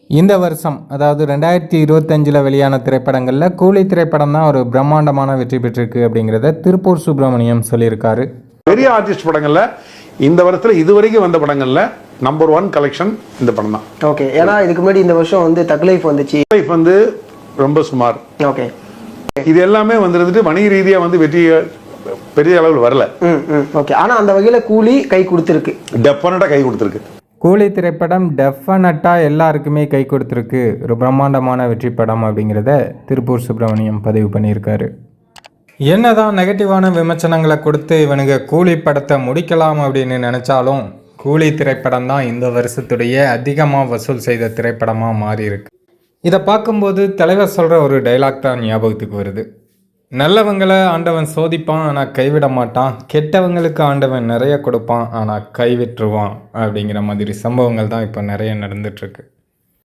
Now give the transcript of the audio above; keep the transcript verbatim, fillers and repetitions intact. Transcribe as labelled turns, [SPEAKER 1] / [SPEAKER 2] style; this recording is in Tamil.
[SPEAKER 1] இந்த வருஷம் அதாவது ரெண்டாயிரத்தி இருபத்தஞ்சில் வெளியான திரைப்படங்களில் கூலி திரைப்படம் தான் ஒரு பிரம்மாண்டமான வெற்றி பெற்றிருக்கு அப்படிங்கிறத திருப்பூர் சுப்பிரமணியம் சொல்லியிருக்காரு.
[SPEAKER 2] பெரிய ஆர்டிஸ்ட் படங்களில் இந்த வருஷத்தில் இதுவரைக்கும் வந்த படங்களில் நம்பர் ஒன் கலெக்ஷன் இந்த படம் தான்.
[SPEAKER 3] ஓகே, ஏன்னா இதுக்கு முன்னாடி இந்த வருஷம் வந்து தக் லைஃப் வந்துச்சு.
[SPEAKER 2] லைஃப் வந்து ரொம்ப சுமார்.
[SPEAKER 3] ஓகே,
[SPEAKER 2] இது எல்லாமே வந்துட்டு வணிக ரீதியாக வந்து வெற்றி பெரிய அளவில் வரல.
[SPEAKER 3] ம் ம் ஓகே, ஆனால் அந்த வகையில் கூலி கை கொடுத்துருக்கு,
[SPEAKER 2] டெஃபினட்டாக கை கொடுத்துருக்கு.
[SPEAKER 1] கூலி திரைப்படம் டெஃபினட்டாக எல்லாருக்குமே கை கொடுத்துருக்கு, ஒரு பிரம்மாண்டமான வெற்றி படம் அப்படிங்கிறத திருப்பூர் சுப்பிரமணியம் பதிவு பண்ணியிருக்காரு. என்னதான் நெகட்டிவான விமர்சனங்களை கொடுத்து இவனுங்க கூலி படத்தை முடிக்கலாம் அப்படின்னு நினச்சாலும் கூலி திரைப்படம் தான் இந்த வருஷத்துடைய அதிகமாக வசூல் செய்த திரைப்படமாக மாறி இருக்கு. இதை பார்க்கும்போது தலைவர் சொல்கிற ஒரு டைலாக் தான் ஞாபகத்துக்கு வருது. நல்லவங்களை ஆண்டவன் சோதிப்பான் ஆனால் கைவிட மாட்டான், கெட்டவங்களுக்கு ஆண்டவன் நிறைய கொடுப்பான் ஆனால் கைவிட்டுருவான் அப்படிங்கிற மாதிரி சம்பவங்கள் தான் இப்போ நிறைய நடந்துட்டுருக்கு.